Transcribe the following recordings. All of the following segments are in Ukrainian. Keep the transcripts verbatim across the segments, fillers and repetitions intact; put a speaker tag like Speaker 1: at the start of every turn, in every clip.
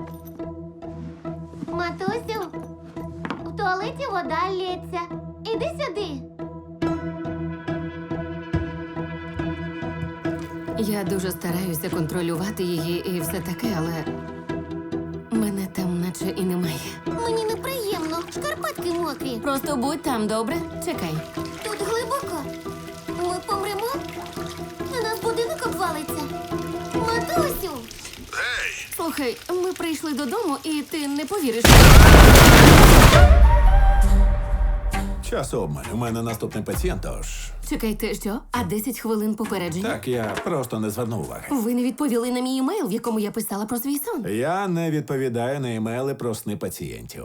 Speaker 1: Матусю, в туалеті вода лється. Іди сюди.
Speaker 2: Я дуже стараюся контролювати її і все таке, але мене там наче і немає.
Speaker 1: Мені неприємно. Шкарпетки мокрі.
Speaker 2: Просто будь там, добре? Чекай.
Speaker 1: Тут глибоко. Ми помремо? На нас будинок обвалиться. Матусю!
Speaker 2: Слухай, ми прийшли додому, і ти не повіриш.
Speaker 3: Час обмаль. У мене наступний пацієнт, тож...
Speaker 2: Чекайте, що? А десять хвилин попередження?
Speaker 3: Так, я просто не звернув уваги.
Speaker 2: Ви не відповіли на мій емейл, в якому я писала про свій сон.
Speaker 3: Я не відповідаю на імейли про сни пацієнтів.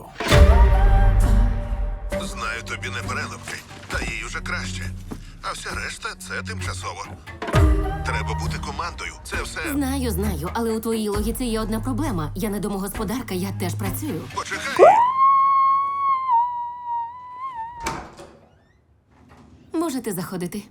Speaker 4: Знаю, тобі не переливки, та їй уже краще. А вся решта це тимчасово. Треба бути командою. Це все.
Speaker 2: Знаю, знаю, але у твоїй логіці є одна проблема. Я не домогосподарка, я теж працюю.
Speaker 4: Почекай.
Speaker 2: Можете заходити.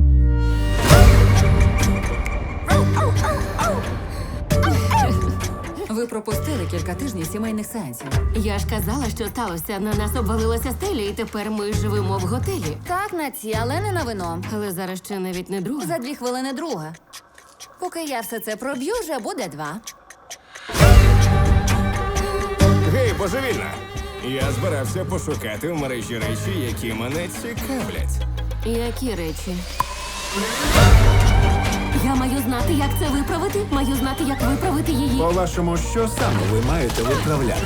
Speaker 5: Ви пропустили кілька тижнів сімейних сеансів.
Speaker 2: Я ж казала, що сталося. На нас обвалилася стеля, і тепер ми живемо в готелі.
Speaker 5: Так, на ці, але не на вино.
Speaker 2: Але зараз ще навіть не друга.
Speaker 5: За дві хвилини друга. Поки я все це проб'ю, вже буде два.
Speaker 6: Гей, божевільна! Я збирався пошукати в мережі речі, які мене цікавлять.
Speaker 2: Які речі? Я маю знати, як це виправити. Маю знати, як виправити її.
Speaker 3: По-вашому, що саме ви маєте виправляти?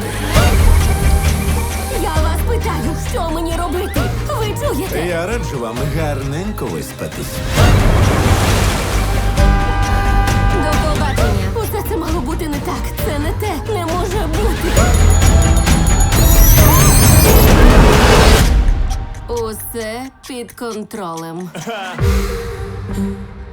Speaker 2: Я вас питаю, що мені робити? Ви чуєте?
Speaker 3: Я раджу вам гарненько виспатись.
Speaker 2: До побачення. Усе це мало бути не так. Це не те. Не може бути. Усе під контролем.